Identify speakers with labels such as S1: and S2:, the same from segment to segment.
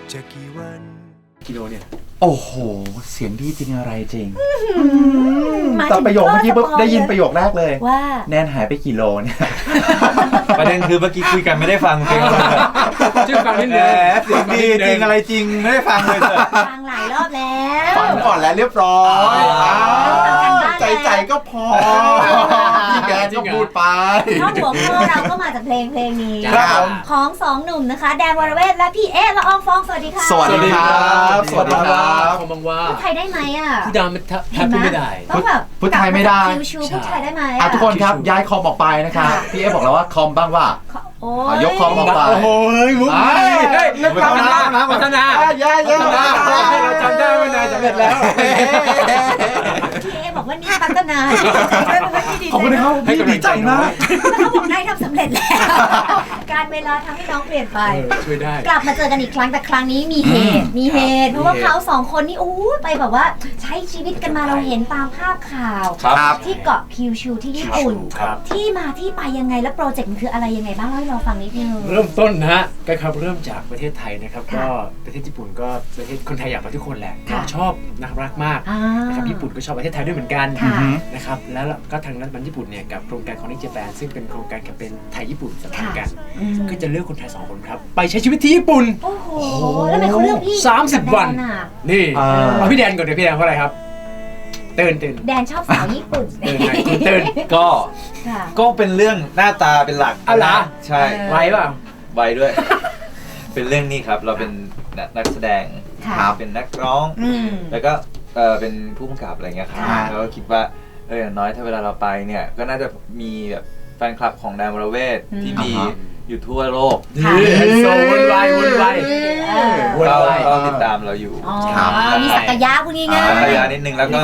S1: จะกี่วัน
S2: กิโลเนี่ย
S3: โอ้โหเสียงดีจริงอะไรจริงแต่ประโยคเมื่อกี้ปุ๊บได้ยินประโยคแรกเลย
S4: ว่า
S3: แนนหายไปกี่โลเนี่ย
S5: ประเด็นคือเมื่อกี้คุยกันไม่ได้ฟังเพลงเลย
S2: ชื่อฟังนิดนึง
S5: เสียงดีจริงอะไรจริงไม่ได้ฟังเลย
S4: ฟังหลายรอบแล้ว
S3: ฟังก่อนแล้วเรียบร้อยใจก็พอพี่แกก็พูดไป
S4: เพราะหัวข้อเราก็มาจากเพลงนี้ของสองหนุ่มนะคะแดนวรเวทและพี่เอ๊ะละอองฟองสวัสดีค่ะ
S3: สวัสดีครับสวัสดีครับ
S2: คงบังว่า
S4: พูดไทยได้ไหมอ่ะ
S2: พูดดาวมันแทบพูดไม่ได้
S4: ต้องแบบ
S3: พูดไทยไม่ได้
S4: ชิวๆพูดไทยได้ไหม
S3: ทุกคนครับย้ายคอมออกไปนะครับพี่เอ๊ะบอกแล้วว่าคอมบ้างว่ายกคอมออกไป
S2: โอ้ยมุกนี่พัฒนา
S3: ย้าย
S2: ให้เราจำได้ว่านายสำเร็จแล้ว
S4: พี่เอ๊บอกว่านี่พัฒนา
S3: ขอบคุณครับพี่ดีใจมาก
S4: แล้วเขาบอกนายทำสำเร็จแล้วการเวลาทำให้น้องเปลี่ยนไป
S2: ช่วยได้
S4: กลับมาเจอกันอีกครั้งแต่ครั้งนี้มีเหตุเพราะว่าเขาสองคนนี่ไปแบบว่าใช้ชีวิตกันมาเราเห็นตามภาพข่าวที่เกาะคิวชูที่ญี่ปุ่นที่มาที่ไปยังไงแล้วโปรเจกต์มันคืออะไรยังไงบ้างเล่าให้เราฟังนิดนึง
S2: เริ่มต้นนะฮะก็ครับเริ่มจากประเทศไทยนะครับก็ประเทศญี่ปุ่นก็ประเทศคนไทยอยากไปทุกคนแหละชอบน่ารักมากนะครับญี่ปุ่นก็ชอบประเทศไทยด้วยเหมือนกันนะครับแล้วก็ทางรัฐบาลญี่ปุ่นเนี่ยกับโครงการของนิจแปนซึ่งเป็นโครงการแคมเปญไทยญี่ปุ่นสัมพันธ์กันก็จะเลือกคนไทย2คนครับไปใช้ชีวิตที่ญี่ปุ่น
S4: โอ้โหแล้วทำไมเขาเลือกพี่
S2: 30 วันนี่เอาพี่แดนก่อนเดี๋ยวพี่แดนเพราะอะไรครับตื่น
S4: แดนชอบสาวญี่ปุ่น
S2: ตื่น
S5: ก็เป็นเรื่องหน้าตาเป็นหลัก
S2: อะไร
S5: ใช่
S2: ไวเปล่า
S5: ไวด้วยเป็นเรื่องนี้ครับเราเป็นนักแสดงเป็นนักร้องแล้วก็เป็นผู้กำกับอะไรเงี้ยครับแล้วก็คิดว่าอย่างน้อยถ้าเวลาเราไปเนี่ยก็น่าจะมีแบบแฟนคลับของแดนวรเวทที่มีอยู่ทั่วโลก
S2: โซวนไว
S5: ก็ติดตามเราอยู่
S4: มีศักยะพูดง่าย
S5: ๆศักยะนิดนึงแล้วก็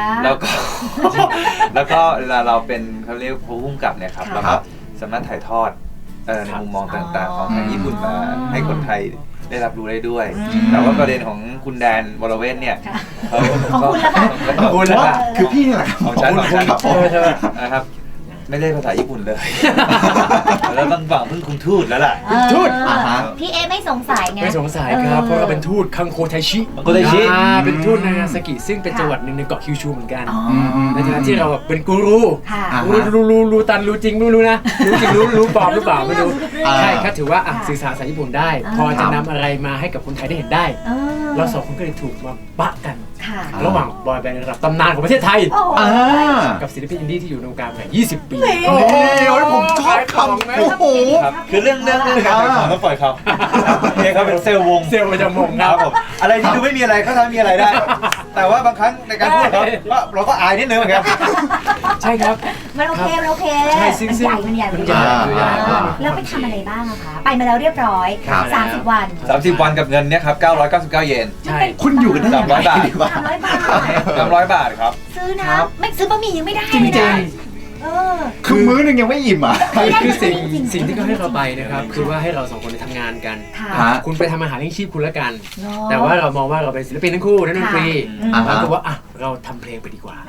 S5: เวลาเราเป็นเขาเรียกผู้กำกับเนี่ยครับแล้วก็สามารถถ่ายทอดในมุมมองต่างๆของทางญี่ปุ่นมาให้คนไทยได้รับรู้ได้ด้วยแต่ว่าประเด็นของคุณแดนวรเวทเนี่ย
S4: ของคุณละ
S3: คือพี่นี่แหละ
S5: ของฉันนะครับไม่ได้ภาษาญี่ปุ่นเลยแล้วต้องฝังพึ่งคุณทูตแล้วล่ะ
S2: ทูต
S4: พี่เอไม่สงสัยไง
S2: ไม่สงสัยครับเพราะเราเป็นทูตคังโคไทชิเป็นทูตนางาซากิซึ่งเป็นจังหวัดหนึ่งในเกาะคิวชูเหมือนกันในฐานะที่เราเป็นกูรูรู้ตันรู้จริงไม่รู้นะรู้จริงรู้ปลอมหรือเปล่าไม่รู้ใช่ครับถือว่าสื่อสารภาษาญี่ปุ่นได้พอจะนำอะไรมาให้กับคนไทยได้เห็นได้เราสองคนก็เลยถูกมาปะกันระหว่างบอยแบนด์ระดับตำนานของประเทศไทยกับศิลปินอินดี้ที่อยู่ในวงการมา20 ปี
S3: โอ้ยผมชอบคำโอ้โห
S5: คือเรื่องการต้องปล่อยเขาเขาเป็นเซลล์วง
S2: เซลล์ประจำวง
S5: ครับผมอะไรที่ดูไม่มีอะไรก็ทำมีอะไรได้แต่ว่าบางครั้งในการพูดเราก็อายนิดนึงเหมือนกัน
S2: ใช่ครับ
S4: มันโอเคมันใหญ่แล้วไปทำอะไรบ้างอะคะไปมาแล้วเรียบร้อย30 วัน
S5: กับเงินเนี่ยครับ999 เยน
S3: ใช่คุณอยู่กันได้
S5: 300 บาท300 บาทครับ
S4: ซื้อนะไม่ซื้อบะหมี่ยังไม่ได้เลยนะ
S3: คือมื้อนึงยังไม่อิ่มอ่ะ
S2: คือสิ่งที่เขาให้เราไปนะครับคือว่าให้เรา2 คนไปทำงานกันคุณไปทำอาหารเลี้ยงชีพคุณละกันแต่ว่าเรามองว่าเราเป็นศิลปินทั้งคู่นักดนตรีแล้วก็ว่าเราทำเพลงไปดีกว่า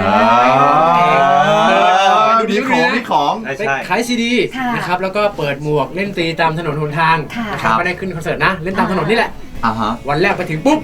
S3: ดูดีของ
S2: ขายซีดีนะครับแล้วก็เปิดหมวกเล่นตีตามถนนหนทางนะครับไม่ได้ขึ้นคอนเสิร์ตนะเล่นตามถนนนี่แหละวันแรกไปถึงปุ๊บ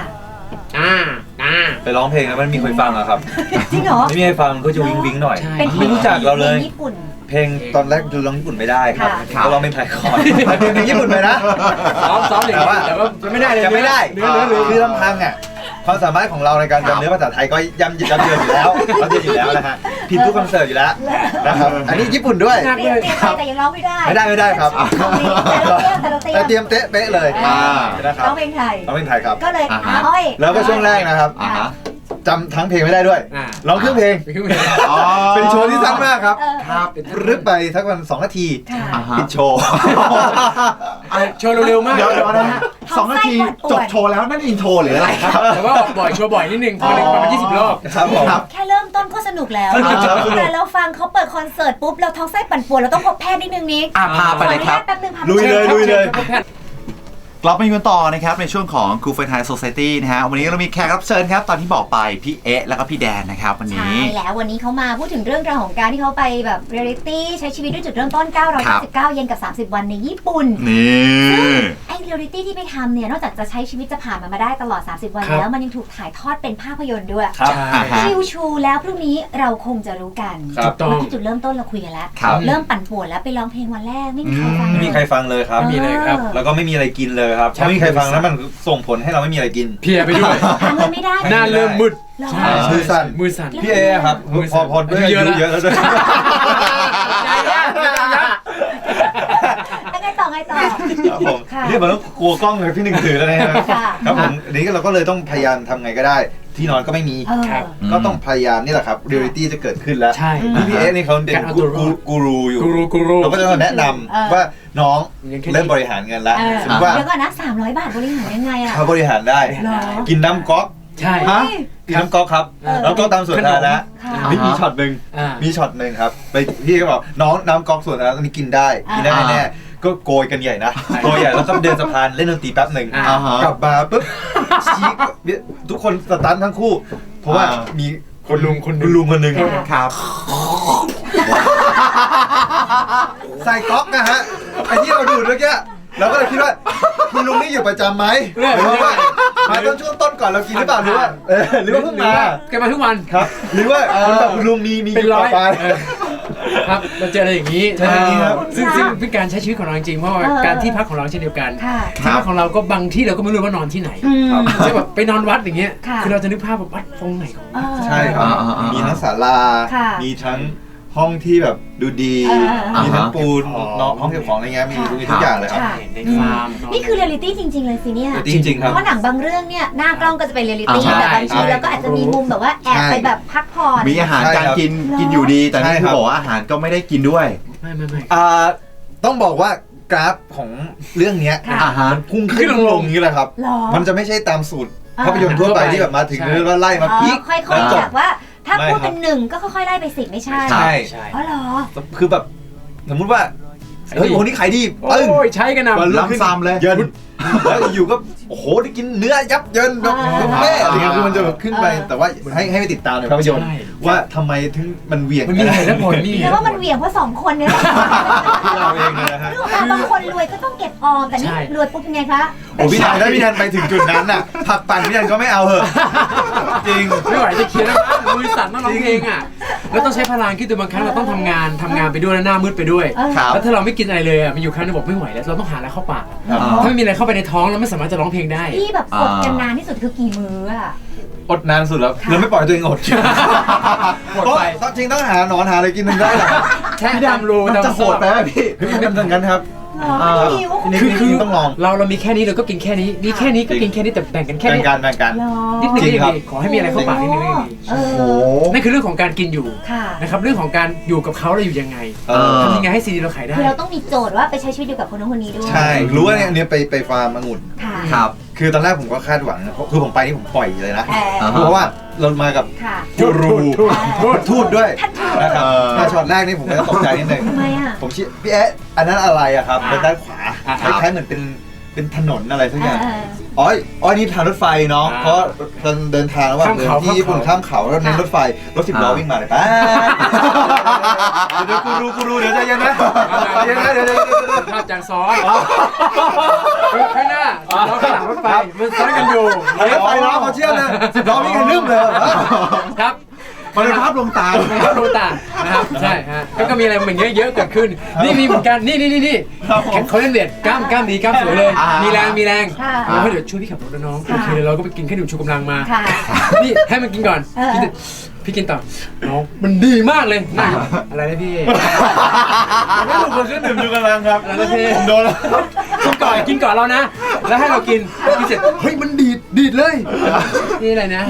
S5: ไปร้องเพลงแล้วมันมีใครฟังอะครับ
S4: จริงเหรอ
S5: ไม่มีใครฟังก็จะวิงหน่อยไม่รู้จักเราเลยเพลงตอนแรกดูร้องญี่ปุ่นไม่ได้ครับเราร้องเป็นไทยคอนเพลงญี่ปุ่นไปนะ
S2: ซ้อมแต่ว่าไม่ได้เลย
S5: จะไม่ได้คือลำพังอ่ะความสามารถของเราในการจำเนื้อภาษาไทยก็ย่ำเยือนอยู่แล้วนะฮะผิดทุกคอนเสิร์ตอยู่แล้วนะครับอันนี้ญี่ปุ่นด้วย
S4: แต่ยังร้องไม่
S5: ได้ครับ
S4: แต่
S5: เตรียมเป๊ะเลย
S4: นะครับร้องเพลงไทย
S5: ครับ
S4: ก็เลย
S5: แล้วก็ช่วงแรกนะครับจำทั้งเพลงไม่ได้ด้วยร้องเครื่องเพลงเป็นโชว์ที่สั้นมากครับรึบไปทักวัน2 นาทีปิดโชว์
S2: เร็วมาก
S3: เดี๋ยวนะ2 นาทีจบโชว์แล้วนั่นอินโทรหรืออะไรครับ
S2: แต่ว่าโชว์บ่อยนิดนึงพอประมาณ20 รอบ
S5: ครับผม
S4: แค่เริ่มต้นก็สนุกแล้วแต่เราฟังเขาเปิดคอนเสิร์ตปุ๊บเราท้องไส้ปั่นป่วนเราต้องพบแพทย์นิดนึงนิก
S3: พาไปเลยครับ
S5: ลุยเลย
S3: กลับมาอยู่กันต่อนะครับในช่วงของ Cool for Thai Society นะฮะวันนี้เรามีแขกรับเชิญครับตอนที่บอกไปพี่เอ๊ะแล้วก็พี่แดนนะครับวันนี้
S4: ใช่แล้ววันนี้เขามาพูดถึงเรื่องราวของการที่เขาไปแบบเรียลิตี้ใช้ชีวิตด้วยจุดเริ่มต้น999 เยนกับ30 วันในญี่ปุ่น
S3: นี่
S4: ซึ่งไอ้เรียลลิตี้ที่ไปทำเนี่ยนอกจากจะใช้ชีวิตจะผ่านมันมาได้ตลอด30 วันแล้วมันยังถูกถ่ายทอดเป็นภาพยนตร์ด้วย
S5: ครับ
S4: คิวชูแล้วพรุ่งนี้เราคงจะรู้กัน
S5: ครับ
S4: เมื่อกี้จุดเริ่มต้นเราคุยกันแล้วเริ่มปั่นป่วนแล้วไปร้องเพลงวันแรกไม่มีใครฟัง
S5: ไม่มีใครฟังเลยครับ
S2: มีเลยครับ
S5: แล้วก็ไม่มีอะไรกินเลยครับไม่มีใครฟังแล้วมันส่งผลให้เราไม่มีอะไรกิน
S2: เพียไปด้วย
S4: หาเงินไม่ได้
S2: หน้าเริ่มมืด
S4: ใช่
S5: มือสั่น
S2: มือสั่น
S5: พี่เอครับพอด้วยอายุเยอะแล้วด้วย
S4: ไงต่อ
S5: ครับผม
S4: ค่ะ
S5: นี่มันต้องกลัวกล้องเลยพี่หนึ่งถือแล้วนะครับ
S4: ค่ะ
S5: ครับผมอันนี้เราก็เลยต้องพยายามทำไงก็ได้ ที่นอนก็ไม่มี
S2: ครับ
S5: ก็ต้องพยายามนี่แหละครับเรียลลิตี้จะเกิดขึ้นแล้ว
S2: ใช่
S5: พี่เอนี่เขาเป็น
S2: การเอาตัวรอด
S5: กูรูอยู่
S2: กูรู
S5: เราก็จะแนะนำว่าน้องเริ่มบริหารเงินแล้วสมมติว่า
S4: เดี๋ยวก่อนนะ300 บาทบริหารยังไงอะ
S5: เขาบริหารได้
S4: หรอ
S5: กินน้ำก๊อก
S2: ใช่
S5: ฮะกินน้ำก๊อกครับแล้วก็ตามส่วนทางนะ
S4: ค่ะ
S5: มีช็อตหนึ่ง มีช็อตหนึ่งครับไปพี่ก็บอกน้องน้ำก๊อกส่วนนั้นอันนี้กินได้กินได้แน่ก็โกยกันใหญ่นะโกยใหญ่แล้วก็เดินสะพานเล่นดนตรีแป๊บหนึ่งกลับมาปุ๊บชี้ทุกคนสตันทั้งคู่ เพราะว่ามีคุณลุงคนหนึ่ง
S3: ครับ
S5: ใส่ก๊อกนะฮะไอ้ที่เราดูดเมื่อกี้เราก็เลยคิดว่าคุณลุงนี่อยู่ประจำไหมหรือว่ามาตอนช่วงต้นก่อนเรากินหรือเปล่าหรือว่าหรือว่าเพิ่งมา
S2: แกมาทุกวัน
S5: ครับหรือว่าคุณลุงมี
S2: เป็นร้อย
S5: ไป
S2: ครับเราเจออะไรอย่างนี้
S5: ใช่ครับ
S2: ซึ่งเป็นการใช้ชีวิตของเราจริงๆเพราะว่าการที่พักของเราเช่นเดียวกัน
S4: ค่ะ
S2: ที่พักของเราก็บางที่เราก็ไม่รู้ว่านอนที่ไหน
S4: อืม
S2: ใช่แบบไปนอนวัดอย่างเงี้ย
S4: ค่ะ
S2: คือเราจะนึกภาพแบบวัดตรงไหนของ
S5: ใช่ครับ มีทั้งศาลา
S4: ค่ะ
S5: มีทั้งห้องที่แบบดูดี มีทั้งปูน
S2: อ๋อ
S5: เนาะห้องเก็บของอะไรเงี้ยมีทุกอย่างเลยครับ
S4: ค่ะ
S2: ในฟาร์ม
S4: นี่คือเรียลลิตี้จริงๆเลยสิเนี่ย
S5: จริงๆครับ
S4: เพราะหนังบางเรื่องเนี่ยหน้ากล้องก็จะเป็นเรียลลิตี้
S2: ใช่
S4: แต่บางที
S2: ใช่
S4: เราก็อาจจะมีมุมแบบว่าแอบไปแบบพักผ่อน
S3: มีอาหารการกิน
S4: ใช่ครับ
S3: กินอยู่ดี แต่
S5: ใช่
S3: นี่
S5: ค
S3: คื
S5: รั
S3: อบ บอกว่าอาหารก็ไม่ได้กินด้วย
S2: ไม่
S5: ต้องบอกว่ากราฟของเรื่องเนี้ย
S4: ค่ะ
S3: อ่าฮะ
S5: มันพุ่งขึ้นลงอย่างนี้แหละครับ
S4: หรอ
S5: มันจะไม่ใช่ตามสูตร
S4: อ่า
S5: ภาพยนตร์ทั่วไปที่แบบมาถึง
S2: ใช่
S5: แล้วไล่มา
S4: อ๋อ
S5: พีค
S4: ค่อย
S5: แล้ว
S4: ๆ
S5: จบ
S4: จากว่าถ้า
S5: ไม่
S4: พูด
S5: ครั
S4: เป็
S5: บ
S4: น1ก็ค่อยๆไล่ไป10ไม่ใช่
S5: ใช่
S2: ใช่
S4: อ๋อเหรอ
S5: คือแบบสมมุติว่าเฮ้ยโอ้โหนี่ขายดีปึ้ง
S2: โอ้ยใช้กันนะ
S5: วันรุ่งขึ้น
S3: ล้ำซ้ำเลย
S5: เยินแล้วอยู่ก็โอ้โหได้กินเนื้อยับเยินแบบแม่อะไรเงี้ยคือมันจะแบบขึ้นไปแต่ว่าให้ไปติดตามในภาพยนตร์ว่าทำไมถึงมันเหวี่ยง
S2: มันมีเหตุและผลนี่
S4: แต่ว่ามันเหวี่ยงเพราะ2คนเนี่ยแหละ
S5: เราเองเลยนะฮะ
S4: เรื่องของบางคนรวยก็ต้องเก็บออมแต่นี่
S2: ใช่
S4: รวยปุ๊บยังไงคะ
S5: โอ้พี่แทนถ้าพี่แทนไปถึงจุดนั้นน่ะผักปั่นพี่แทนก็ไม่เอาเหอะจริง
S2: ไม่ไหวจะเขียนแล้วมือสั่นต้องร้องเพลงอ่ะแล้วต้องใช้พลังคิดดูบางครั้งเราต้องทำงานไปด้วยแล้วหน้ามืดไปด้วย
S3: ครับ
S2: แล้วถ้าเราไม่กินอะไรเลยอ่ะมันอยู่ครั้งนึงบอกไม่ไหวแล้วเราต้องหาอะไรเข้าปาก
S5: ครับ
S2: ถ้าไม่มีอะไรเข้าไปในท้องเราไม่สามารถจะร้องเพลงได้
S4: ที่แบบกดกันนานที่สุดคือกี่มื้ออะ
S5: อดนานสุดแล้วเราไม่ปล่อยตัวเองอด
S2: หมดไป
S5: ก็จริงต้องหาหนอนหาอะไรกินมันได้เหรอ
S2: แค่ตามรู
S3: มัน
S2: ตาม
S3: จะโหดไปไหมพี่
S5: พี่ไม่ทำงั้นครับ
S4: เหรอไม่หิว
S5: นี่ต้องลอง
S2: เรามีแค่นี้เราก็กินแค่นี้มีแค่นี้ก็กินแค่นี้แต่แบ่งกันแค่
S5: แบ่ง
S2: นี้
S5: กันแบ่งกัน
S4: เหรอ
S2: นิดนึง
S5: จริ
S2: ก็
S5: ง
S2: ยัง
S5: ครับ
S2: ดีขอให้มีอะไรเข้าปากนิดนึงก็ยังดี
S4: เอ
S3: โอ้
S4: อ
S3: โห
S2: นั่นคือเรื่องของการกินอยู่
S4: ค่ะ
S2: นะครับเรื่องของการอยู่กับเขาเราอยู่ยังไง
S5: เออ
S2: ทำยังไงให้ซีดีเราขายได้
S4: คือเราต้องมีโจทย์ว่าไปใช้ชีวิตอยู่กับคนนู้นคนนี้ด้วย
S5: ใช่ รู้ว่าเนี่ยไปฟาร์มองุ่น
S4: ค่ะ
S3: ครับ
S5: คือตอนแรกผมก็คาดหวังนะคือผมไปนี่ผมปล่อยเลยนะ
S4: เออ
S5: เพราะว่าเรามากับ
S4: ค่ะ
S5: กูรู ทูตด้วย
S4: ท่านทูต
S5: นะครับ
S3: เออ
S5: ถ้าช็อตแรกนี่ผมก็ตกใจนิดนึง
S4: ทำไมอ่ะ
S5: ผมชี้พี่แอ๊ะอันนั้นอะไรอะครับเป็นด้านขวา
S2: อ่า
S5: คล้ายๆเหมือนเป็นถนนอะไรสักอย่าง
S4: เออ
S5: อ๋อนี่ทางรถไฟเนาะ
S2: อ่า
S5: เพราะเราเดินทางระหว่าง
S2: ข้าม
S5: เดิน
S2: เขา
S5: ที่ญี่ปุ่น
S2: ข้า
S5: ข้าม ม
S2: เขา
S5: เขาแล้วเน้นรถไฟรถ10 ล้อวิ่งมาเลยป้าเดี๋ยวกูรูเดี๋ยวใจเย็นนะใจเย็นนะเดี๋ยว
S2: ภาพจากซ้อนข้างหน้าเราข้างหลังรถไฟมันซ้อนกันอยู่
S5: รถไฟล้อเขาเชื่อเลย10 ล้อวิ่งกันลืมเลย
S2: ครับ
S3: มันเป็นภาพลวงตา
S2: เป็นภาพลวงตานะครับใช่ฮะก็มีอะไรเหมือนเยอะเกิดขึ้นนี่มีเหมือนกันนี่เขาเล่นเวทกล้ามดีกล้ามสวยเลยมีแรง
S4: ค่ะ
S2: เราเดี๋ยวช่วยพี่ขับรถนะน้องโอเคเราก็ไปกินแค่ดื่มชูกำลังมา
S4: ค่ะ
S2: นี่ให้มันกินก่อน
S4: เออ
S2: พี่กินต่อน้องมันดีมากเลยน่าอะไรนะพี่
S5: ไม่ถูกคนเครื่องดื่มอยู่กำลังครับ
S2: อะไรนะพี่
S5: ผมโดนแล้ว
S2: กินก่อนเรานะ แล้วให้เรากินเสร็จเฮ้ยมันดีดเลยนี่อะไรนะ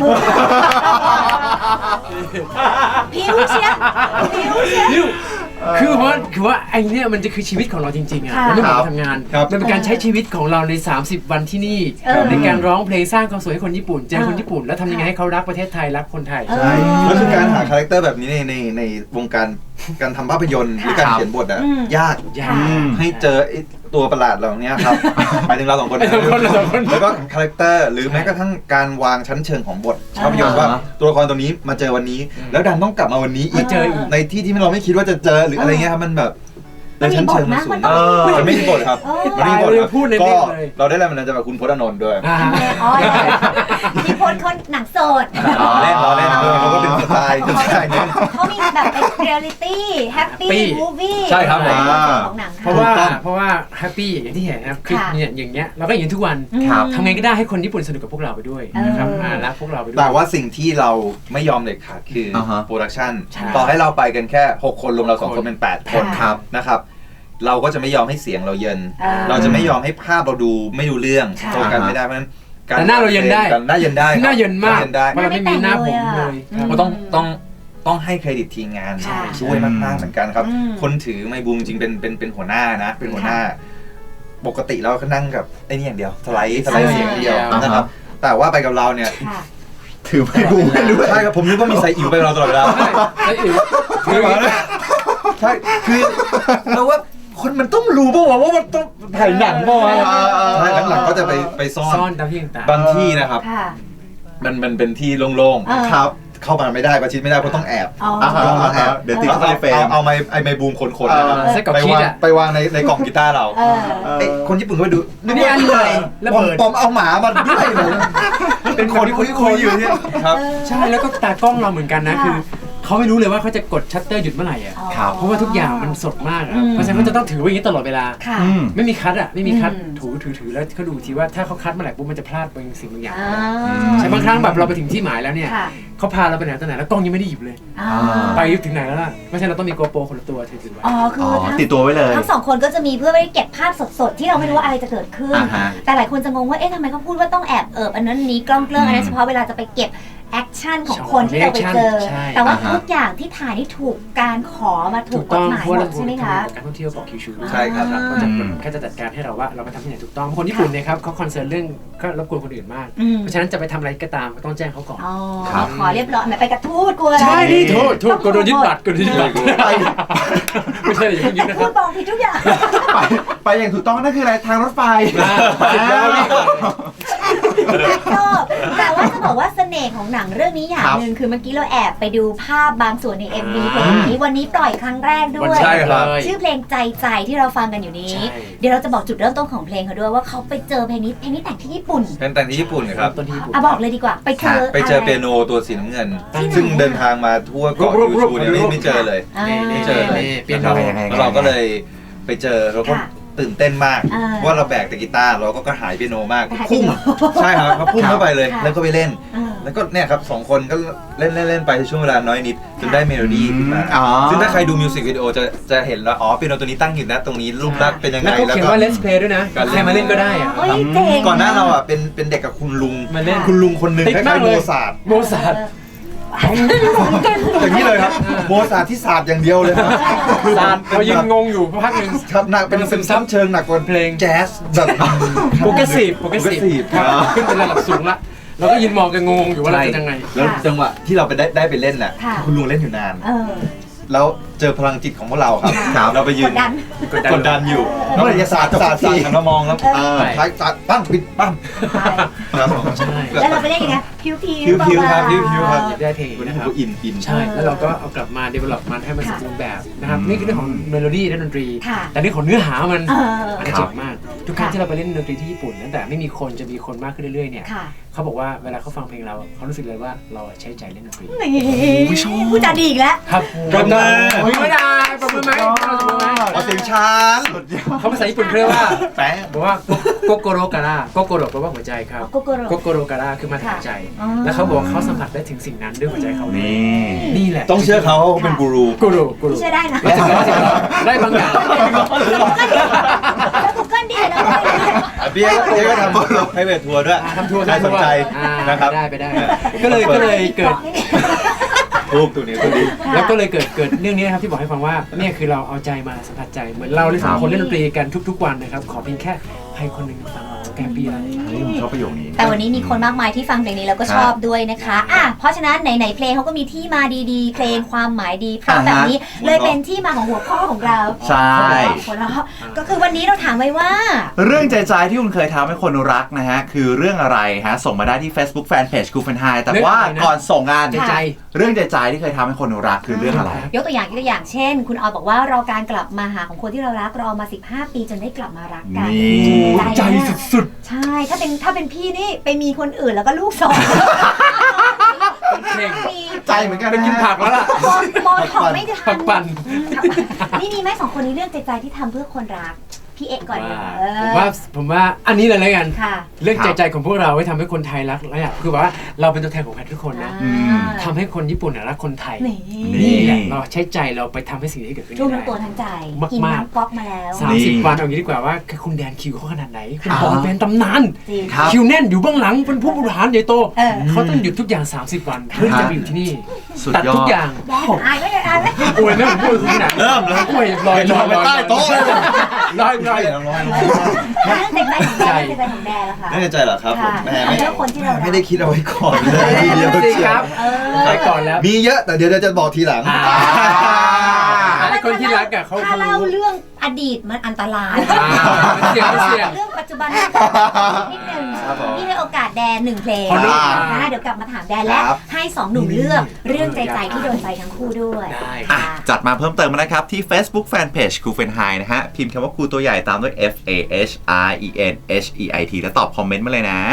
S4: ผิวเชียร์ผิวเชียร์
S2: นิวคือว่าไอเนี้ยมันจะคือชีวิตของเราจริงๆอ่ะ
S4: ค่ะ
S2: มันไม่เหมือนเราทำงาน
S5: ครับ
S2: มันเป็นการใช้ชีวิตของเราใน30 วันที่นี่
S4: เออ
S2: ในการร้องเพลงสร้างความสุขให้คนญี่ปุ่นเจอคนญี่ปุ่นแล้วทำยังไงให้เขารักประเทศไทยรักคนไทย
S4: เออ
S5: ใช่แล้วคือการหาคาแรคเตอร์แบบนี้ในวงการทำภาพยนตร์หรือการเขียนบทอะ
S4: อืม
S5: ยาก
S2: ยาก
S5: ให้เจอไอ้ตัวประหลาดเหล่านี้ครับหมายถึงเราสองคนนะ
S2: เราสองคน
S5: แล้วก็คาแรคเตอร์หรือแม้กระทั่งการวางชั้นเชิงของบทภาพยนตร์ว่าตัวละครตัวนี้มาเจอวันนี้ แล้วดันต้องกลับมาวันนี้อี
S2: มาก เจออีก
S5: ในที่ที่เราไม่คิดว่าจะเจอหรืออะไรเงี้ยครับมันแบบแล้วชั้นเชิงมันสูง มันไม่มีบทครับมันไม่มีบทครับก็เราได้แรงบันดาลใจจากคุณพจน์อานนท์ด้วย
S4: อ๋อมีคนหนังโสด
S5: เล่นเขาก็เป็นสไตล์นึง
S4: เขามีแบบเป็นเรียลลิตี้แฮปปี้มูฟวี่
S5: ใช่ครับผม
S4: ของหนัง
S2: เพราะว่าแฮปปี้อย่างที่เห็นนะครับคลิปเนี่ยอย่างเงี้ยเราก็อย่างทุกวัน
S3: ครับ
S2: ทำไงก็ได้ให้คนญี่ปุ่นสนุกกับพวกเราไปด้วยนะครับรักพวกเราไปด้วย
S5: แต่ว่าสิ่งที่เราไม่ยอมเด็ดขาดคือโปรดักชั่น
S2: ใช่
S5: ต่อให้เราไปกันแค่6คนรวมเรา2คนเป็น8คน
S3: ครับ
S5: นะครับเราก็จะไม่ยอมให้เสียงเราเยินเราจะไม่ยอมให้ภาพเราดูไม่ดูเรื่องโฟกัสไม่ได้เพราะฉะนั้น
S2: แต่หน้าเราเย็นได้
S5: หน้าเย็นได้
S2: หน้าเย็นมาก
S5: ได้
S2: เพราะเราไม่มีหน้าผมเลย
S5: ก็ต้องให้เครดิตทีมงานช่วยมากๆเหมือนกันครับคนถือไมค์บูมจริงเป็นหัวหน้านะเป็นหัวหน้าปกติเราก็นั่งกับไอ้นี่อย่างเดียวสไลด์เสียงเดียวนะครับแต่ว่าไปกับเราเนี่ย
S3: ถือไม่บูมไม่รู้
S5: ใช่ครับผมนึกว่ามีไซอิ๋วไปกับเราตลอดเวลา
S2: ไอ้อิ๋ว
S5: ใช่คือเราว่าคนมันต้องรู้ป่าวว่ามันต้องถ่ายหนังป่าวใช่หลังๆก็จะไปซ่อน
S2: ตามที่ต่าง
S5: บางที่นะครับมันเป็นที่โล่งๆครับเข้ามาไม่ได้ประชิดไม่ได้เพราะต้องแอบต้องแอบเดี๋ยวติดเข้าไปในเฟรมเอาไมค์บูมคนๆนะครับ
S2: ใส่กับ
S5: ไป
S2: คิด
S5: วาง
S2: อ่ะ
S5: ไปวางในกล่องกีตาร์เราคนญี่ปุ่นก็ไปดู
S2: นี่อันเลยระเบิด
S5: ปอมเอาหมามาด้วยเลยเป็นคนคุยอยู่เนี่ยครับ
S2: ใช่แล้วก็ตากล้องเราเหมือนกันนะคือเขาไม่รู้เลยว่าเขาจะกดชัตเตอร์หยุดเมื่อไหร่อ่ะเพราะว่าทุกอย่างมันสดมากอ่ะเพราะฉะนั้นเขาจะต้องถือไว้อย่างนี้ตลอดเวลาไม่มีคัทอ่ะไม่มีคัทถือแล้วเขาดูทีว่าถ้าเขาคัทเมื่อไหร่ปุ๊บมันจะพลาดบางสิ่งบางอย่างใช่บางครั้งแบบเราไปถึงที่หมายแล้วเนี่ยเขาพาเราไปไหนตอนไหนแล้วกล้องยังไม่ได้หยิบเลยไปถึงไหนแล้วล่ะเพราะฉะนั้นเราต้องมีโกโปรคนละตัวถือไว้
S4: อ๋อคือ
S3: ติดตัวไว้เลย
S4: ทั้งสองคนก็จะมีเพื่อไว้เก็บภาพสดๆที่เราไม่รู้ว่าอะไรจะเกิดขึ้นแต่หลายคนจะงงว่าเอ๊ะทำไมเขาพูดว่าต้องแอบอันนั้นนี้กล้องเกลื่อนอันนั้นเฉพาะเวลาจะไปเก็บแอคชั่นของคนที่เราไปเจอแต่ว่าทุกอย่างที่ถ่ายนี่ถูกการขอมาถูกกฎหมายหมดใช่ไหมคะ
S2: การท่องเที่ยวบอกคิวชู
S5: ใช่ครับ
S2: ก็จะแค่จะจัดการให้เราว่าเรามาทำที่ไหนถูกต้องคนญี่ปุ่นเนี่ยครับเขาคอนเซิร์นเรื่องก็รบกวนคนอื่นมากเพราะฉะนั้นจะไปทำอะไรก็ตามต้องแจ้งเขาก่อน
S4: ขอเรียบร้อยไปกระทู้กลัว
S2: ใช่ดิโทษก็โดนยึดบัตรไม่ใช่อย่างนี้นะค
S4: พู
S2: รั
S4: ด
S2: บ
S4: บอกผิดทุกอย่าง
S3: ไปอย่างถูกต้องนั่นคืออะไรทางรถไฟ
S4: แต่ว่าจะบอกว่าเสน่ห์ของหนังเรื่องนี้อย่างหนึ่งคือเมื่อกี้เราแอบไปดูภาพบางส่วนใน MV เพลงนี้วันนี้ปล่อยครั้งแรกด้วย
S5: ใช่ครับ
S4: ชื่อเพลงใจที่เราฟังกันอยู่นี้เดี๋ยวเราจะบอกจุดเริ่มต้นของเพลงเขาด้วยว่าเขาไปเจอเพลงนี้แต่งที่ญี่ปุ่น
S5: เป็นแต่งที่ญี่ปุ่นครับ
S4: บอกเลยดีกว่าไปเจอ
S5: เปียโนตัวสีน้ำเงินซึ่งเดินทางมาทั่วเกาะยูชูเนี่ยไม่เจอเลยไม่เจอเลยแล้วเราก็เลยไปเจอเราก็ตื่นเต้นมากว่าเราแบกแต่กีตาร์เราก็กระหายเปียโนมากพุ่งใช่ครับเขาพุ่งเข้าไปเลยแล้วก็ไปเล่นแล้วก็เนี่ยครับ2คนก็เล่นไปในช่วงเวลาน้อยนิดจนได้เมโลดี้ขึ้นมาซึ่งถ้าใครดูมิวสิกวิดีโอจะเห็นแล้วอ๋อเปียโนตัวนี้ตั้งอยู่นะตรงนี้รูปลักษณ์เป็นยังไง
S2: แล้วก็เขียนว่า Let's Play ด้วยนะใครมาเล่นก็ได้อะ
S5: ก่อนหน้าเราอ่ะเป็นเด็กกับคุณลุง
S2: มาเล่น
S5: คุณลุงคนหนึ่งคล้ายๆโมซาร์ทอย่างนี้เลยครับโมซาร์ทที่ศาสตร์อย่างเดียวเลยครับ
S2: ศาสตร์เรายังงงอยู่พักหนึ่ง
S5: ครับหนักเป็นซึมซับเชิงหนักกว่าเพลงแจ๊สแบบ
S2: โปรเกรสซีฟครับขึ้นเป็นระดับสูงละเราก็ยืนมองกันงงอยู่ว่าเราจะยังไง
S5: แล้วจังหวะที่เราไปได้ไปเล่นน่ะคุณลุงเล่นอยู่นานแล้วเจอพลังจิตของพวกเราครับเราไปยืนกดดันอยู่แล้วเลยศาสตร์หันมามองแล้วท้ายศาสตร์ปั้งปิดปั้งครับใช่
S4: แล้วเราไปเล่นยังไงพิว
S5: ครับพิวครับ
S2: ได้เพลงนะครับ
S5: อิน
S2: ใช่แล้วเราก็เอากลับมา develop มันให้มันสมบูรณ์แบบนะครับนี่คือเรื่องของเมโลดี้และดนตรีแต่เรื่องของเนื้อหามันอันนี้เจ๋งมากทุกครั้งที่เราไปเล่นดนตรีที่ญี่ปุ่นตั้งแต่ไม่มีคนจะมีคนมากขึ้นเรื่อยๆเนี่ยเขาบอกว่าเวลาเขาฟังเพลงเราเขารู้สึกเลยว่าเราใช้ใจเล่นดนตรี
S4: ผู้จัดดีอีกแล้ว
S2: ครับปรบมือไม่ได้ปรบมือไหม
S5: เสียงช้าง
S2: เขาภาษาญี่ปุ่นเรียกว่าแปลบอกว่าโกโกโรการาโกโกโรแปลว่าหัวใจครับโกโกโรการาคือมาถึงหัวใจแล้วเขาบอกเขาสัมผัสได้ถึงสิ่งนั้นด้วยหัวใจเขานี่แหละ
S5: ต้องเชื่อเขาเป็นกูรู
S4: เชื่อได้นะ
S2: ได้บางอย่าง
S4: แล้วกูเกิลดีแล้ว
S5: เบี้ยก็ทำให้เวททัวร์ด้วย
S2: ทำทัวร์
S5: ใครสนใจนะครับ
S2: ไปได้ก็เลยเกิด
S5: ตัวนี้
S2: แล้วก็เลยเกิดเรื่องนี้นะครับที่บอกให้ฟังว่าเนี่ยคือเราเอาใจมาสัมผัสใจเหมือนเราสองคนเล่นดนตรีกันทุกๆวันนะครับขอเพียงแค่ใครคนหนึ่งฟังเราแกปีอะไร
S3: ชอบประโยคนี้
S4: แต่วันนี้มีคนมากมายที่ฟังเพลงนี้แล้วก็ชอบด้วยนะคะเพราะฉะนั้นไหนเพลงเขาก็มีที่มาดีๆเพลงความหมายดีเพราะแบบนี้เลยเป็นที่มาของหัวข้อของเรา
S3: ใช่
S4: ก็คือวันนี้เราถามไว้ว่า
S3: เรื่องใจที่คุณเคยทำให้คนรักนะฮะคือเรื่องอะไรฮะส่งมาได้ที่ Facebook Fanpage กูเฟนไฮแต่ว่าก่อนส่งงานเรื่องใจๆที่เคยทำให้คนรักคือเรื่องอะไร
S4: ยกตัวอย่างเช่นคุณออยบอกว่ารอการกลับมาหาของคนที่เรารักรอมา15 ปีจนได้กลับมารักกัน
S2: ใจสุด
S4: ๆใช่ถ้าเป็นพี่นี่ไปมีคนอื่นแล้วก็ลูก2
S3: ใจเหมือนกัน
S2: ไปกินผักแล้วล่ะ
S4: มอนของไม่ทัน
S2: ผักปั่น
S4: นี่มีไหม2 คนนี้เรื่องใจที่ทำเพื่อคนรักพี่เอกก่อน
S2: ผมว่าอันนี้เลยแล้วกัน
S4: ค่ะ
S2: เรื่องใจของพวกเราไว้ทำให้คนไทยรักแล้วคือว่าเราเป็นตัวแทนของใครทุกคนนะทำให้คนญี่ปุ่นรักคนไทยนี่แหละเราใช้ใจเราไปทำให้สิ่งที่เกิดขึ้นได้
S4: ทุ่มทั้งตัวทั้งใจกินน้ำก๊อกมาแล้ว
S2: 30 วันเอางี้ดีกว่าว่าคุณแดนคิวเขาขนาดไหนคุณบอลเป็นตำนานคิวแน่นอยู่เบื้องหลังเป็นผู้บริหารใหญ่โตเขาต้องหยุดทุกอย่าง30 วันเพื่อจะไปอยู่ที่นี่ตัดทุกอย่าง
S4: อายไม่
S2: อวยไม่ผมพูดขนาด
S3: เริ่มเลย
S2: อวยลอย
S3: ไปใต้โต๊ะเลย
S2: ลอย
S4: เรื่องใจของแดนแล้วค่ะ
S5: เรื่องใจเหรอครับผม
S4: แม่
S5: ไม่ได้คิดเอาไว้ก่อนเลยทีเดียว
S2: ครับไปก่อนแล้ว
S5: มีเยอะแต่เดี๋ยวจะบอกทีหลัง
S2: คนที่รักอะเขา
S4: ถ้าเล่าเรื่องอดีตมันอันตราย
S2: เ
S4: รื่องปัจจุบันนิดนึงนี่ให้โอกาสแดน1 เพลงนะเดี๋ยวกลับมาถามแดนและให้2 หนุ่มเลือกเรื่องใจที่โดนใจทั้งคู่ด้วย
S3: จัดมาเพิ่มเติมนะครับที่ Facebook Fanpage ครูเฟนไฮนะฮะพิมพ์คำว่าครูตัวใหญ่ตามด้วย FAHRENHEIT แล้วตอบคอมเมนต์มาเลยนะ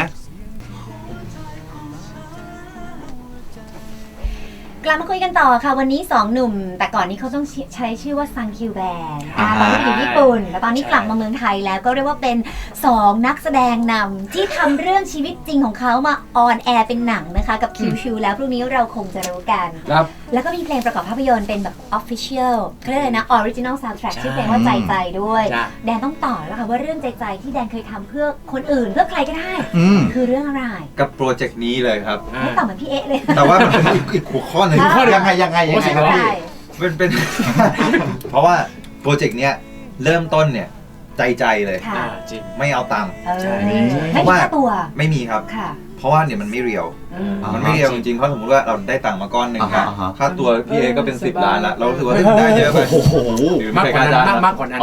S4: กลับมาคุยกันต่อค่ะวันนี้2 หนุ่มแต่ก่อนนี้เขาต้องใช้ชื่อว่าซังคิวแบนตอนนี้อยู่ญี่ปุ่นแล้วตอนนี้กลับมาเมืองไทยแล้วก็เรียกว่าเป็น2 นักแสดงนำที่ทำเรื่องชีวิตจริงของเขามาออนแอร์เป็นหนังนะคะกับคิวชูแล้วพรุ่งนี้เราคงจะรู้กันแล้วก็มีเพลงประกอบภาพยนตร์เป็นแบบ Official เขาเรียกเลยนะ Original Soundtrack ชื่อเพลงว่าใจด้วยแดนต้องต่อแล้วค่ะว่าเรื่องใจที่แดนเคยทำเพื่อคนอื่นเพื่อใครก็ได้คือเรื่องอะไร
S5: กับโปรเจกต์นี้เลยครับ
S4: ไม่ต่อเหมือนพี่เอ๊ะเลย
S5: แต่ว่ามันเป็นอีกหัวข้อหนึ่ง
S3: ยังไง
S5: เป็นเพราะว่าโปรเจกต์เนี้ยเริ่มต้นเนี่ยใจเลย
S2: จริง
S5: ไม่เอาตังค์
S4: เพราะว่า
S5: ตัวไม่มีครับเพราะว่าเนี่ยมันไม่เรียวมันไม่เรียวจริงๆเพราะสมมติว่าเราได้ตังค์มาก้อนหนึ่งนะค่าตัวพี่เอก็เป็น10 ล้านละเราถือว่าได้เยอะไป
S2: มากกว่านั้น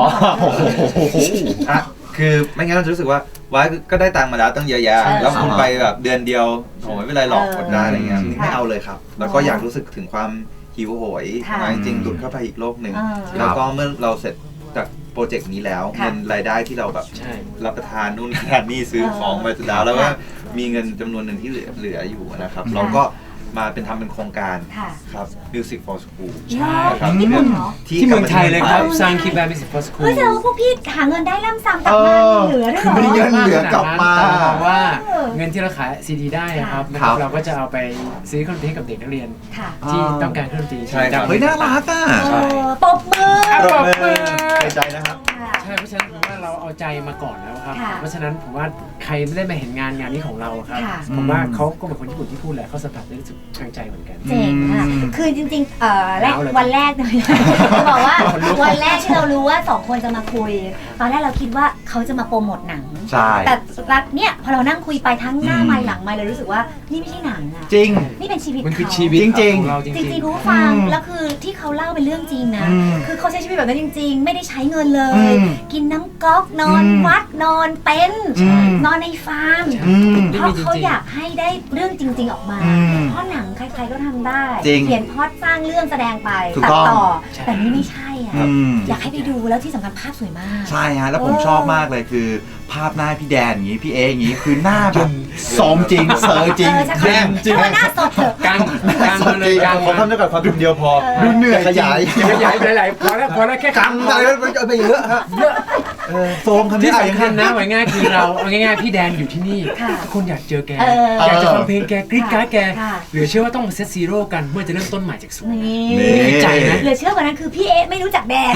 S5: คือไม่งั้นเราจะรู้สึกว่าว้าก็ได้ตังค์มาแล้วตั้งเยอะแยะแล้วคุณไปแบบเดือนเดียวโอ้ไม่เป็นไรหรอกกดได้อะไรเงี้ยไม่เอาเลยครับแล้วก็อยากรู้สึกถึงความหิวโหยจริงๆหลุดเข้าไปอีกโลกหนึ่งแล้วก็เมื่อเราเสร็จจากโปรเจกต์นี้แล้วเงินรายได้ที่เราแบบรับประทานนู่นทานนี่ซื้อของไปสุดแล้วก็มีเงินจำนวนหนึ่งที่เหลืออยู่นะครับเราก็มาทำเป็นโครงการครับ Music for School
S4: ใช่ครับที่เ
S2: มืองไทยเลยครับสร้างคิดแบบ Music for School
S4: แสดงว่าพวกพี่หาเงินได้ล่ำซ้ำกลับมาเหลือด้วย
S3: คือไม่ได้เงินเหลือกลับมา
S2: เพราะว่าเงินที่เราขายซีดีได้นะครับเราก็จะเอาไปซื้อเครื่องดนตรีกับเด็กนักเรียนที่ต้องการเครื่องดนตรี
S5: ใช่ครับ
S3: เฮ้ยน่ารักอ่ะ
S4: ตบมือ
S5: ใจนะครับ
S2: ใช่เพราะฉะนั้นผมว่าเราเอาใจมาก่อนแล้วครับเพราะฉะนั้นผมว่าใครไม่ได้มาเห็นงานนี้ของเราครับผมว่าเขาก็เหมือนคนญี่ปุ่นที่พูดแหละเขาสัมผัสได้รู้สึกทางใจเหมือนกัน
S4: เจ๋งค่ะคือจริงๆวันแรกเลยจะบอกว่าวันแรกที่เรารู้ว่า2 คนจะมาคุยตอนแรกเราคิดว่าเขาจะมาโปรโมทหนังแต่เนี่ยพอเรานั่งคุยไปทั้งหน้าไมค์หลังไมค์เลยรู้สึกว่านี่ไม่ใช่หนังอะ
S3: จริง
S4: นี่เป็นชีวิต
S2: มันคือชีวิต
S3: จริง
S4: คุณผู้ฟังแล้วคือที่เขาเล่าเป็นเรื่องจริงนะคือเขาใช้ชีวิตแบบนั้นจริงๆไม่ได้ใช้เงินเลยกินน้ำก๊อกนอนวัดนอนเต็นท์นอนในฟาร์มเพราะเขาอยากให้ได้เรื่องจริงๆออกมาเพราะหนังใครๆก็ทำได้เขียนพล็อตสร้างเรื่องแสดงไปตัดต่อแต่นี่ไม่ใช่อ่ะอยากให้ไปดูแล้วที่สำคัญภาพสวยมาก
S3: ใช่ฮะแล้วผมชอบมากเลยคือภาพหน้าพี่แดนอย่างนี้พี่เออย่างนี้คือหน้าแบบสมจริงเซอร์จริง
S4: จริงหน้าสดเถอะ
S2: กลางเลยกลาง
S5: ผมทำได้กับความเดียวพอ
S3: ดูเหนื่อย
S5: ขยาย
S2: หลายๆพอแล้วแค่
S5: กลางอะไรไปเยอะฮะโฟมคำนี้
S2: ที่สำคัญนะไว้ง่ายคือเราเอาง่ายๆพี่แดนอยู่ที่นี่คนอยากเจอแกอยากจะฟังเพลงแกกรี๊ดกราดแกเหลือเชื่อว่าต้องมาเซตซีโร่กันเมื่อจะเริ่มต้นใหม่จากศูนย์นี่ใจนะ
S4: เหลือเชื่อกว่านั้นคือพี่เอไม่รู้จักแดน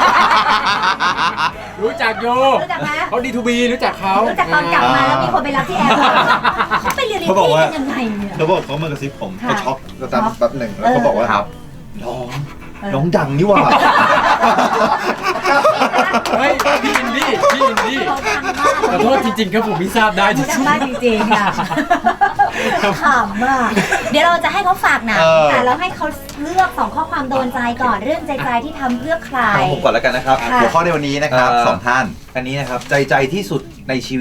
S2: รู้จักโยเขาดีทูบีรู้จักเขา
S4: รู้จักตอนกลับมาแล้วมีคนไปรับที่แอร์เขาไปเรียนที่กันยังไงเนี่ย
S5: เขาบอกเขามากระซิบผมเขาช็อกก็ตามแป๊บหนึ่งแล้วเขาบอกว่าน้องดังนี่ว่า
S2: เฮ้ยพี่อินดี้ขอโทษจริงๆครับผมไม่ทราบได้
S4: จริงๆค่ะขำมากเดี๋ยวเราจะให้เขาฝากหนังแต่เราให้เขาเลือก2 ข้อความโดนใจก่อนเรื่องใจที่ทำเพื่อใคร
S5: ผมก่อนแล้วกันนะครับ
S3: หัวข้อในวันนี้นะครับ2 ท่าน
S5: อันนี้นะครับใจที่สุดในชีวิต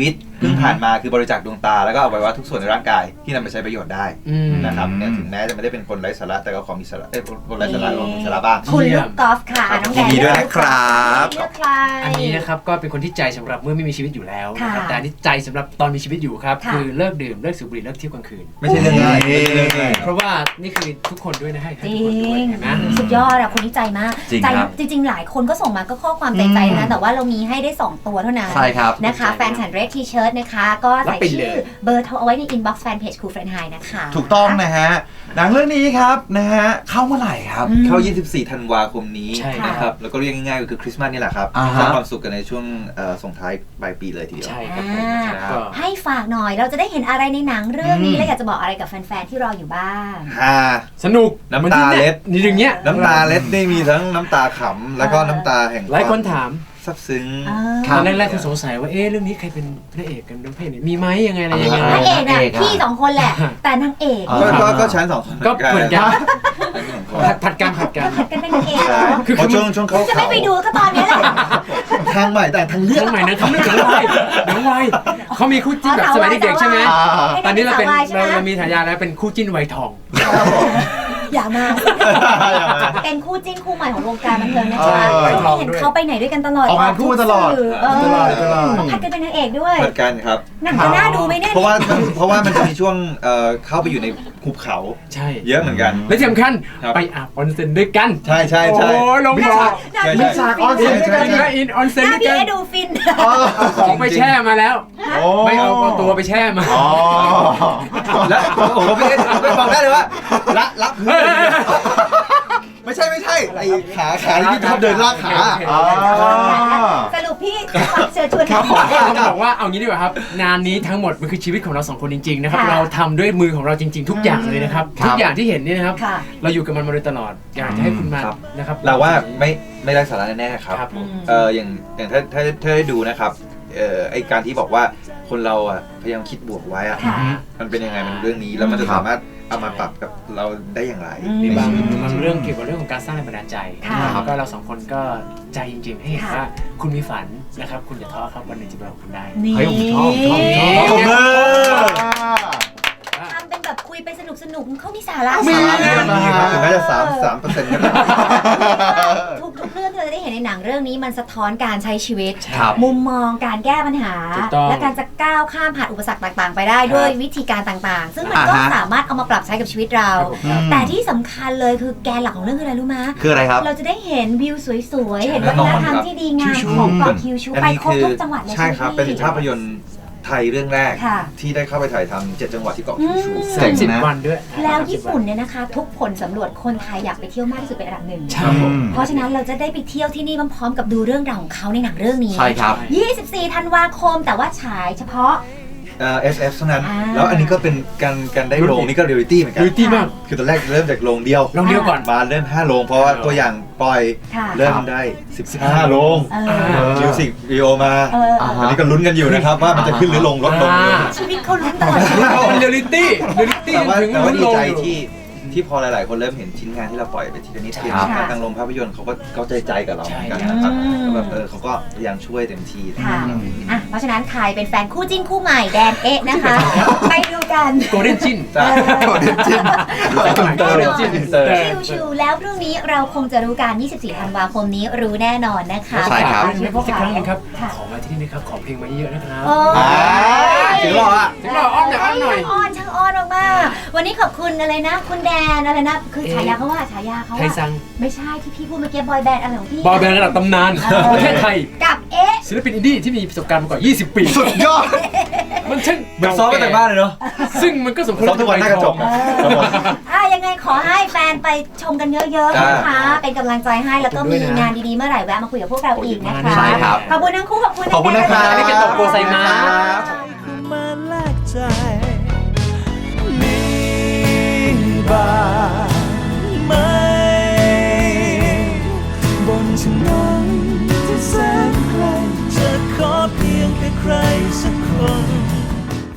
S5: พิ่งผ่านมาคือบริจาคดวงตาแล้วก็อวัยวะทุกส่วนในร่างกายที่นำไปใช้ประโยชน์ได้นะครับเนี่ยถึงแม้จะไม่ได้เป็นคนไร้สาระแต่ก็ขอมีสาระคนไร้สาระก็มีสาระบ้าง
S4: คุณลูกกอล์ฟค่ะน้องแดน
S3: ยินดีด้วยนะครับ
S4: เลือกใคร
S2: อันนี้นะครับก็เป็นคนที่ใจสำหรับเมื่อไม่มีชีวิตอยู่แล้วนะครับ
S4: ค่ะ
S2: แต่อันนี้ใจสำหรับตอนมีชีวิตอยู่ครับ
S4: ค่ะ
S2: คือเลิกดื่มเลิกสูบบุหรี่เลิกเที่ยวกลางคืน
S5: ไม่ใช่เรื่องง่ายไม่ใช่เรื่องง่าย
S2: เพราะว่านี่คือทุกคนด้วยนะให้
S4: จ
S2: ทุ
S4: ริ
S2: กคนด้วย
S4: ง
S2: เห็นไหม
S4: สุดยอดอะคนนี้ใจมาก
S3: จริง
S4: ใจ
S3: ครับ
S4: จริงๆหลายคนก็ส่งมาก็ข้อความใจนะแต่ว่าเรามีให้ได้ 2 ตัวเท่านั้น
S3: ใช่ครับ
S4: นะคะแฟนฉันเรดทีเชิร์ตนะคะก็ใส่
S2: รับไปเล
S4: ชื่อย เบอร์โทรเอาไว้ในอินบ็อกซ์แฟนเพจครูเฟรนไฮนะคะ
S3: ถูกต้องนะฮะหนังเรื่องนี้ครับนะฮะเข้าเมื่อไหร่ครับ
S5: เข้า 24 ธันวาคมนี้
S2: ใช่
S5: นะครับ แล้วก็เรียกง่ายๆก็คือคริสต์มาสนี่แหละครับ
S3: อ่าฮะ
S5: สร้างความสุขกันในช่วงส่งท้ายปลายปีเลยทีเดียว
S2: ใช่ครับผม
S4: อ่า
S2: ครับก็
S4: ให้ฝากหน่อยเราจะได้เห็นอะไรในหนังเรื่องนี้และอยากจะบอกอะไรกับแฟนๆที่รออยู่บ้าง
S5: ฮา
S2: สนุก
S5: น้ำตาเล็ด
S2: นี่อย่างเงี้ย
S5: น้ำตาเล็ดนี่มีทั้งน้ำตาขำแล้วก็น้ำตาแห่ง
S2: หลายคนถาม
S5: ซับซึ้ง
S2: ตอนแรกๆคุณสงสัยว่าเรื่องนี้ใครเป็นพระเอกกันเป็นพระเอกมีไหมยังไงอะไรยังไง
S4: พระเอกน่ะ
S3: นางเอกอะ
S4: พี่2 คนแหละ แต่นางเอก
S5: ก็ชั้น2 คน
S2: ก็เหมือนกัน
S5: ชั้นสองคน
S2: ผัดกัน
S4: ผัดกันเป็นนางเอกเหร
S5: ใช่
S4: อ
S2: คือ
S5: เพราะช่วงเขา
S4: จะไม่ไปดูก็ตอนนี้แหละ
S5: ทางใหม่แต่ทางเลือก
S2: เรื่องใหม่นะทำเรื่องเดี๋ยววัยเขามีคู่จิ้นแบบสมัยเด็กๆใช่ไหม ตอนนี้เราเป็น
S4: ให้ได้
S2: เรามีฉายาแล้วเป็นคู่จิ้นวัยทอง
S4: อย่ามาเป็นคู่จิ้นคู่ใหม่ของวงการบันเทิงนะ
S3: เอ
S4: คะ
S3: อ
S4: เห็นเขาไปไหนด้วยกันตลอด
S3: ออกงานคู่ตลอด
S4: สื่
S3: ตลอด
S4: ผัดกันเป็นนางเอกด้วย
S5: เหมือนกันครับ
S4: หนังจะน่าดูไหมเนี่ย
S5: เพราะว่ามันจะมีช่วงเข้าไปอยู่ในหุบเขา
S2: ใช่
S5: เยอะเหมือนกัน
S2: และที่สำคัญ
S5: ครับ
S2: ไปอาบออนเซ็นด้วยกัน
S5: ใช่ใช่
S2: โอ้
S5: ใช่
S2: ยลงบ่อ
S5: ใช่ใช่
S3: มีฉากออนเซ็นด้วยกัน
S2: อินและอินออนเซ็น
S4: หน้า
S2: ด้วย
S4: พี่
S2: กัน
S4: เอดูฟิน
S2: เอาของไปแช่มาแล้ว
S3: โอ้
S2: ไม่เอาตัวไปแช่มา
S3: อ๋อ
S5: แล้วโอ้โหไม่บอกได้เลยว่าละพื้นเลยทีเดียวไม่ใช่ไอ้ขาที่ชอบเดินลากขา
S3: อ๋อ
S4: สรุปพี่ฝากเชิญชวน
S3: ครับผม
S2: ก็ต้องบอกว่าเอางี้ดีกว่าครับงานนี้ทั้งหมดมันคือชีวิตของเราสองคนจริงๆนะครับ
S4: ค่ะ
S2: เราทำด้วยมือของเราจริงๆ ทุกอย่างเลยนะครับ
S3: ครับ
S2: ทุกอย่างที่เห็นนี่นะครับ
S4: ค่ะ
S2: เราอยู่กับมันมาโดยตลอดอยากจะให้คุณมา
S5: ครับ
S2: นะครับ
S5: เราว่าไม่ได้สาระแน่ๆครับ
S2: ครับผม
S5: อย่างถ้าได้ดูนะครับไอการที่บอกว่าคนเราอ่ะพยายามคิดบวกไว้อ่ะ
S4: ค่ะ
S5: มันเป็นยังไงมันเรื่องนี้แล้วมันจะสามารถเอามาปรับกับเราได้อย่างไร
S2: มีบาง
S5: ในชีวิต
S2: มันเรื่องเกี่ยวกับเรื่องของการสร้างแรงบันดาลใจ
S4: ค่ะ
S2: นะครับก็เราสองคนก็ใจจริงๆให้เห็น
S4: ค่ะ
S2: ว่าคุณมีฝันนะครับคุณอย่าท้อครับวันหนึ่งจะเป็นของคุณได้
S4: นี่
S3: เฮ้ยผมชอบผมชอบ
S5: ขอบคุณ
S4: ทำเป็นแบบคุยไปสนุกๆเขามีสาระ
S3: มี
S4: สาระ
S5: นี่ครับถึงแม้จะ3%ก็ได้
S4: ทุกเรื่องที่เราจะได้เห็นในหนังเรื่องนี้มันสะท้อนการใช้ชีวิต
S3: ครับ
S4: มุมมองการแก้ปัญหา
S2: ถูกต้อง
S4: และการจะก้าวข้ามผ่านอุปสรรคต่างๆ ไปได้ด้วยวิธีการต่างๆ ซึ่งมันก็
S3: อ่าฮะ
S4: สามารถเอามาปรับใช้กับชีวิตเรา แต่ที่สำคัญเลยคือแกนหลักของเรื่องคืออะไรรู้ไหม
S3: คืออะไรครับ
S4: เราจะได้เห็นวิวสวยๆ เห็นวัฒนธรรมที่ดีงาม
S2: คิวชู
S4: ของเกาะคิวชู
S5: อัน
S4: ไป
S5: นี้
S4: ครบ
S5: คือ
S4: ทุกจังหวัดเลย
S5: ใช่ครับ
S4: ไหม
S5: เป็น
S4: พี่
S5: ภาพยนตร์ไทยเรื่องแรก
S4: ค่ะ
S5: ที่ได้เข้าไปถ่ายทำ7 จังหวัดที่เกาะคิวชู
S3: เจ๋งนะ
S2: 30 วันด้วย
S4: แล้วญี่ปุ่นเนี่ยนะคะ ทุกผลสำรวจคนไทยอยากไปเที่ยวมากที่สุดเป็นอันดับหนึ่ง
S2: ใช่ผม
S4: เพราะฉะนั้นเราจะได้ไปเที่ยวที่นี่พร้อมๆกับดูเรื่องราวของเขาในหนังเรื่องนี้
S3: ใช่ครับ
S4: 24 ธันวาคมแต่ว่าฉายเฉพาะ
S5: SF เท่านั้น
S4: อ่า
S5: แล้วอันนี้ก็เป็นการได้โรงนี่ก็เรียลิตี้เหมือนกัน
S2: ดูดีมาก
S5: คือตอนแรกเริ่มจากโรงเดียว
S2: ลองเดียวก่อน
S5: มาเริ่ม5 โรงเพราะว่าตัวอย่างปล่อย
S4: ค่ะ
S5: เริ่มได้15 โรง
S4: เออ
S5: มิวสิกวิดีโอมา
S4: เออ
S3: อ่า
S5: อันนี้ก็ลุ้นกันอยู่นะครับว่ามันจะขึ้นหรือลงลดลง
S4: ชีวิตเขาลุ้นตลอดชีวิต
S2: เป็นเรียลลิตี้เรียลลิตี้
S5: แต่ว่า
S2: ถึง
S5: แต่ว่าดีใจ
S2: ลงอยู่
S5: ที่พอหลาย ๆ คนเริ่มเห็นชิ้นงานที่เราปล่อยไปทีละนิดทีละ
S3: ครั
S5: นิ
S3: บ
S5: ดทางโรงภาพยนตร์เขาก็ใจกับเราเหมือนกัน
S2: ใช่
S5: นะครับ
S4: อืม
S5: แล้วแบบเขาก็พยายามช่วยเต็มที่
S4: ค่ะอ่ะ เพราะฉะนั้นใครเป็นแฟนคู่จิ้นคู่ใหม่แดนเอ๊ะนะคะ ไปดูกัน
S2: โกลเด้นจิน
S5: จ้ะ
S3: โกลเด้นจิน
S5: เตอร์จินเตอร์
S4: ชิวๆแล้วพรุ่งนี้เราคงจะรู้กัน 24 ธันวาคมนี้รู้แน่นอนนะคะ
S3: ใช่ครับ
S2: อีกครั้งหนึงครับ
S4: ค่ะ
S2: ขอมาที่นี่นะครับ ขอเพลงมาเยอะๆนะครับ
S4: โอ้
S3: อ่าย ถึงหรออ่ะ
S2: ถึงเราอ้อนหน่อยอ้อนหน่อย
S4: ช่างอ้อนมากๆวันนี้ขอบคุณอะไรนะ คุณแดนอะไรนะ คือฉายาเขาว่าฉายาเขา
S2: ไทย
S4: ว่า
S2: ซัง
S4: ไม่ใช่ที่พี่พูดเมื่อกี้บอยแบนด์อะไรของพี่
S2: บอยแบนด์ระดับตำนาน
S4: เออ
S2: ประเทศไทย
S4: กับเอ๊ะ
S2: ศิลปินอินดี้ที่มีประสบการณ์มากว่า 20 ปี
S3: สุดยอด
S2: มันช่าง
S5: เหมือนซ้อมมาจากบ้านเลยเนาะ
S2: ซึ่งมันก็สมควร
S5: ซ้อมทุกวันหน้ากระจก
S2: นะ
S5: ครับผม
S4: ยังไงขอให้แฟนไปชมกันเยอะๆนะคะ เป็นกำลังใจให้แล้วก็มีงานดีๆเมื่อไหร่แวะมาคุยกับพวกเราอีกนะคะ
S3: ใช่ครับ
S4: ขอบคุณทั้งคู่ขอบคุณ
S3: ขอบคุณนะครับ
S4: แด
S2: อันนี้เป็นโตโกไซมัส
S1: มาแลกใจ